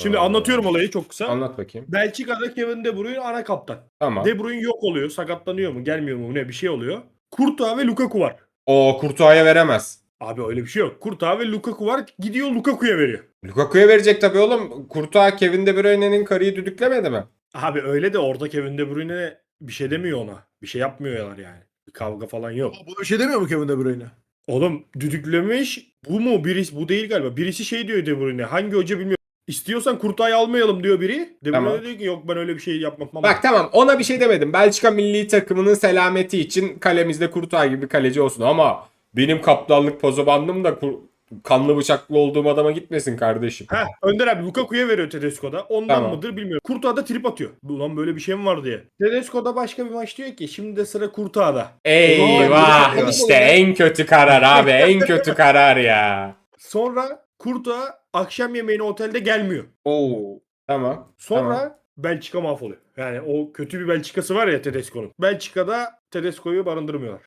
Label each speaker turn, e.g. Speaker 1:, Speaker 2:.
Speaker 1: Şimdi anlatıyorum olayı çok kısa.
Speaker 2: Anlat bakayım.
Speaker 1: Belçika'da Kevin De Bruyne ana kaptan.
Speaker 2: Tamam.
Speaker 1: De Bruyne yok oluyor. Sakatlanıyor mu? Gelmiyor mu? Ne bir şey oluyor. Courtois ve Lukaku var.
Speaker 2: O Courtois'a veremez.
Speaker 1: Abi öyle bir şey yok. Courtois ve Lukaku var. Gidiyor Lukaku'ya veriyor.
Speaker 2: Lukaku'ya verecek tabii oğlum. Courtois Kevin De Bruyne'nin karıyı düdüklemedi mi?
Speaker 1: Abi öyle de orada Kevin De Bruyne bir şey demiyor ona. Bir şey yapmıyorlar yani. Bir kavga falan yok.
Speaker 3: Bu bir şey demiyor mu Kevin De Bruyne?
Speaker 1: Oğlum düdüklemiş. Bu mu? Birisi bu değil galiba. Birisi şey diyor De Bruyne. Hangi hoca bilmiyorum. İstiyorsan Kurtay'ı almayalım diyor biri. De Bruyne
Speaker 2: Tamam.
Speaker 1: diyor ki yok ben öyle bir şey yapmam.
Speaker 2: Bak tamam, ona bir şey demedim. Belçika milli takımının selameti için kalemizde Courtois gibi bir kaleci olsun ama benim kaptanlık pozobandım da kanlı bıçaklı olduğum adama gitmesin kardeşim.
Speaker 1: Heh, Önder abi Lukaku'ya veriyor Tedesco'da. Ondan
Speaker 2: Tamam.
Speaker 1: mıdır bilmiyorum. Courtois da trip atıyor. Ulan böyle bir şey mi var diye. Tedesco'da başka bir maç diyor ki şimdi de sıra Courtois'da.
Speaker 2: Eyvah,
Speaker 3: Eyvah.
Speaker 2: işte en kötü karar abi, en kötü karar ya.
Speaker 1: Sonra Courtois akşam yemeğine otelde gelmiyor.
Speaker 4: Oo.
Speaker 2: Tamam.
Speaker 1: Sonra
Speaker 2: Tamam.
Speaker 1: Belçika mahvoluyor. Yani o kötü bir Belçika'sı var ya Tedesco'nun. Belçika'da Tedesco'yu barındırmıyorlar.